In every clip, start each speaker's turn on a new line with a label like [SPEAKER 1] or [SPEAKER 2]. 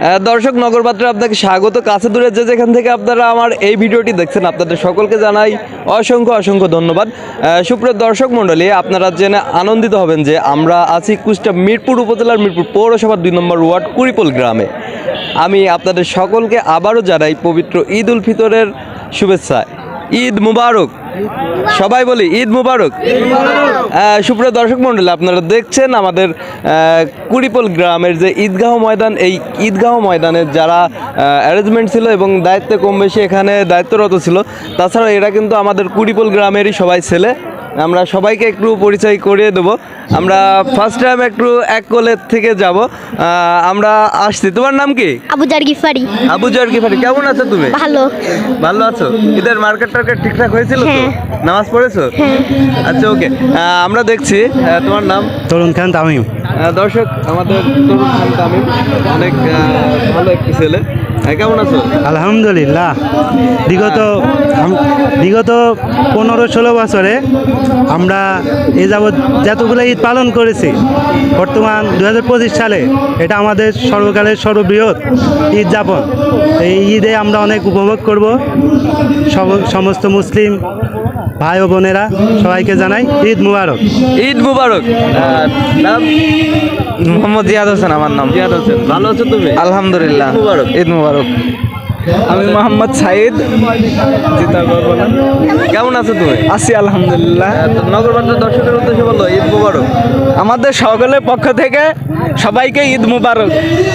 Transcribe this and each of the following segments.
[SPEAKER 1] দর্শক, নগরপাত্রে আপনাকে স্বাগত। কাছে দূরে যে যেখান থেকে আপনারা আমার এই ভিডিওটি দেখছেন, আপনাদের সকলকে জানাই অসংখ্য অসংখ্য ধন্যবাদ। সুপ্রিয় দর্শক মণ্ডলী, আপনারা জেনে আনন্দিত হবেন যে আমরা আছি কুষ্টিয়া মিরপুর উপজেলার মিরপুর পৌরসভার 2 নম্বর ওয়ার্ড কুড়িপোল গ্রামে। আমি আপনাদের সকলকে আবারও জানাই পবিত্র ঈদ উল ফিতরের শুভেচ্ছা। ঈদ মুবারক। সবাই বলি ঈদ মুবারক। সুপ্রিয় দর্শক মণ্ডলী, আপনারা দেখছেন আমাদের কুড়িপোল গ্রামের যে ঈদগাহ ময়দান, এই ঈদগাহ ময়দানের যারা অ্যারেঞ্জমেন্ট ছিল এবং দায়িত্বে কম বেশি এখানে দায়িত্বরত ছিল, তাছাড়া এরা কিন্তু আমাদের কুড়িপোল গ্রামেরই সবাই ছেলে। আমরা সবাইকে একটু পরিচয় করিয়ে দেবো। আমরা ফার্স্ট টাইম একটু এক কোলের থেকে যাব। আমরা আসছি। তোমার নাম কি?
[SPEAKER 2] আবুজার গিফারি।
[SPEAKER 1] আবুজার গিফারি, কেমন আছো তুমি?
[SPEAKER 2] ভালো।
[SPEAKER 1] ভালো আছো? ঈদের মার্কেট টার্কেট ঠিকঠাক হয়েছিল তো?
[SPEAKER 2] হ্যাঁ।
[SPEAKER 1] নামাজ পড়েছো? আচ্ছা, ওকে। আমরা দেখছি তোমার নাম
[SPEAKER 3] তরুণ খান তামিম।
[SPEAKER 1] দর্শক, আমাদের তরুণ খান তামিম অনেক ভালো একটি ছেলে। কেমন আছো?
[SPEAKER 3] আলহামদুলিল্লাহ। বিগত 15-16 বছরে আমরা এ যাবৎ যতগুলো ঈদ পালন করেছি, বর্তমান 2025 সালে এটা আমাদের সর্বকালের সর্ববৃহৎ ঈদ যাপন। এই ঈদে আমরা অনেক উপভোগ করব। সমস্ত মুসলিম ভাই ও বোনেরা সবাইকে জানাই ঈদ মুবারক।
[SPEAKER 1] ঈদ মুবারক। নাম?
[SPEAKER 4] মোহাম্মদ জিয়াদ হোসেন আমার নাম।
[SPEAKER 1] জিয়াদ হোসেন, ভালো আছো তুমি?
[SPEAKER 4] আলহামদুলিল্লাহ।
[SPEAKER 1] ঈদ মুবারক।
[SPEAKER 4] ঈদ মুবারক। আমি মোহাম্মদ সাইদ।
[SPEAKER 1] কেমন আছো তুমি?
[SPEAKER 4] আছি আলহামদুলিল্লাহ।
[SPEAKER 1] নগরবাজার দর্শকের উদ্দেশ্যে বলো ঈদ মুবারক।
[SPEAKER 4] আমাদের সকলের পক্ষ থেকে সবাইকে ঈদ মুবারক।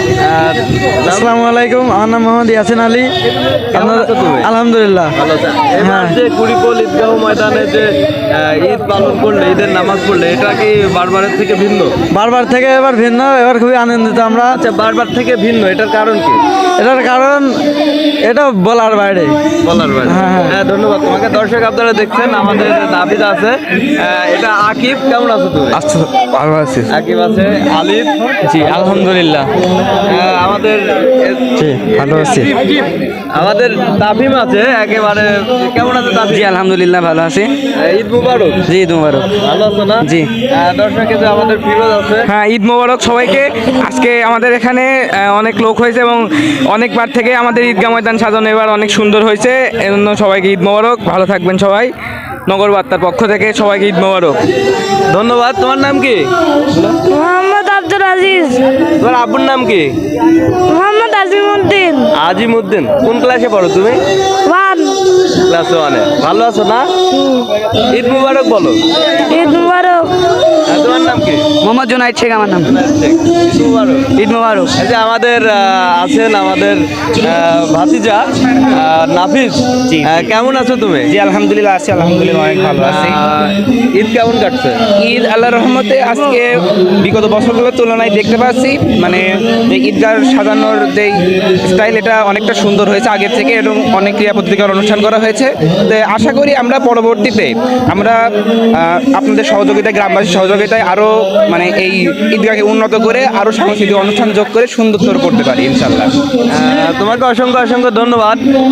[SPEAKER 4] আসসালামু আলাইকুম, আমার নাম মোহাম্মদ ইয়াসিন আলী।
[SPEAKER 1] কেমন আছো তুমি?
[SPEAKER 4] আলহামদুলিল্লাহ।
[SPEAKER 1] ভালো আছো? এবার যে কুড়িপোল ঈদগাহ ময়দানে যে ঈদ পালন করলে, ঈদের নামাজ পড়লে, এটা কি বারবারের থেকে ভিন্ন?
[SPEAKER 4] বারবার থেকে এবার ভিন্ন, এবার খুবই আনন্দিত আমরা।
[SPEAKER 1] আচ্ছা, বারবার থেকে ভিন্ন, এটার কারণ কি?
[SPEAKER 4] এটার কারণ এটা বলার বাইরে।
[SPEAKER 1] বলার বাইরে। হ্যাঁ, ধন্যবাদ তোমাকে। দর্শক, আপনারা দেখছেন আমাদের নাবিদ আছে, এটা আকিব। কেমন আছো তুমি?
[SPEAKER 4] আচ্ছা, ভালো আছি।
[SPEAKER 1] আকিব আছে, আলিফ।
[SPEAKER 4] জি আলহামদুলিল্লাহ।
[SPEAKER 1] আমাদের
[SPEAKER 4] জি ভালো আছি।
[SPEAKER 1] আমাদের তাফিম আছে একেবারে। কেমন আছে তাফিম?
[SPEAKER 4] জি আলহামদুলিল্লাহ, ভালো আছি।
[SPEAKER 1] ঈদ মুবারক।
[SPEAKER 4] জি ঈদ মুবারক।
[SPEAKER 1] ভালো আছো না?
[SPEAKER 4] জি।
[SPEAKER 1] দর্শক, যে আমাদের ফিরোজ আছে।
[SPEAKER 5] হ্যাঁ, ঈদ মোবারক সবাইকে। আজকে আমাদের এখানে অনেক লোক হয়েছে এবং অনেকবার থেকে আমাদের ঈদগাহ ময়দান সাজানো এবার অনেক সুন্দর হয়েছে। এজন্য সবাইকে ঈদ মোবারক। ভালো থাকবেন সবাই। নগর বার্তার পক্ষ থেকে সবাইকে ঈদ মোবারক।
[SPEAKER 1] ধন্যবাদ। তোমার নাম কি?
[SPEAKER 2] মোহাম্মদ আব্দুল আজিজ।
[SPEAKER 1] তোমার আব্বুর নাম কি?
[SPEAKER 2] মোহাম্মদ আজিমউদ্দিন।
[SPEAKER 1] আজিমউদ্দিন। কোন ক্লাসে পড়ো তুমি?
[SPEAKER 2] 1।
[SPEAKER 1] ক্লাস 1-এ। ভালো আছো না? ঈদ মুবারক বলো।
[SPEAKER 2] ঈদ মুবারক।
[SPEAKER 1] তোমার নাম কি?
[SPEAKER 5] মোহাম্মদ জুনাইদ শেখ আমার নাম।
[SPEAKER 1] ঈদ মুবারক।
[SPEAKER 5] ঈদ মোবারক।
[SPEAKER 1] এই যে আমাদের আছেন আমাদের ভাতিজা নাফিস। কেমন আছো তুমি?
[SPEAKER 5] জি আলহামদুলিল্লাহ আছি, আলহামদুলিল্লাহ অনেক ভালো আছি।
[SPEAKER 1] ঈদ কেমন কাটছে?
[SPEAKER 5] ঈদ আল্লাহর রহমতে আজকে বিগত বছরগুলোর তুলনায় দেখতে পাচ্ছি মানে যে ঈদগাহ সাজানোর যে স্টাইল, এটা অনেকটা সুন্দর হয়েছে আগের থেকে এবং অনেক ক্রিয়া প্রতিকার অনুষ্ঠান করা হয়েছে। তো আশা করি আমরা পরবর্তীতে আমরা আপনাদের সহযোগিতায়, গ্রামবাসীর সহযোগিতায় আরও মানে এই ঈদগাহকে উন্নত করে আরও সাংস্কৃতিক অনুষ্ঠান যোগ করে সুন্দরতর করতে পারি ইনশাল্লাহ।
[SPEAKER 1] তোমাকে অসংখ্য অসংখ্য ধন্যবাদ।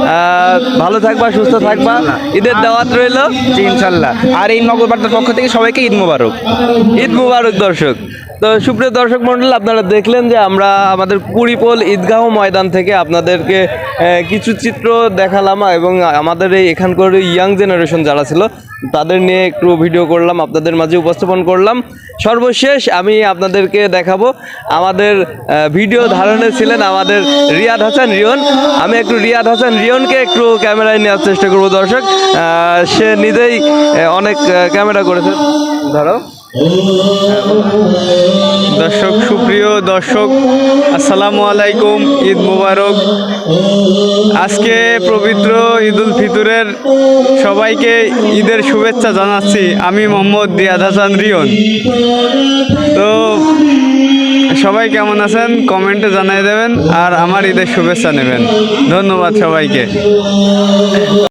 [SPEAKER 1] ভালো থাকবা, সুস্থ থাকবা। ঈদের দাওয়াত রইল।
[SPEAKER 5] জি ইনশাল্লাহ। আর এই নগর বার্তার পক্ষ থেকে সবাইকে ঈদ মোবারক।
[SPEAKER 1] ঈদ মুবারক। দর্শক, তো সুপ্রিয় দর্শক মণ্ডল, আপনারা দেখলেন যে আমরা আমাদের কুড়িপোল ঈদগাহ ময়দান থেকে আপনাদেরকে কিছু চিত্র দেখালাম এবং আমাদের এই এখানকার ইয়াং জেনারেশন যারা ছিল তাদের নিয়ে একটু ভিডিও করলাম, আপনাদের মাঝে উপস্থাপন করলাম। সর্বশেষ আমি আপনাদেরকে দেখাবো, আমাদের ভিডিও ধারণে ছিলেন আমাদের রিয়াদ হাসান রিয়ন। আমি একটু রিয়াদ হাসান রিয়নকে একটু ক্যামেরায় নেওয়ার চেষ্টা করবো। দর্শক, সে নিজেই অনেক ক্যামেরা করেছে। ধরো
[SPEAKER 4] দর্শক, সুপ্রিয় দর্শক, আসসালামু আলাইকুম, ঈদ মুবারক। আজকে পবিত্র ঈদ উল ফিতরের সবাইকে ঈদের শুভেচ্ছা জানাচ্ছি। আমি মোহাম্মদ রিয়াদ হাসান রিয়ন। তো সবাই কেমন আছেন কমেন্টে জানিয়ে দেবেন আর আমার ঈদের শুভেচ্ছা নেবেন। ধন্যবাদ সবাইকে।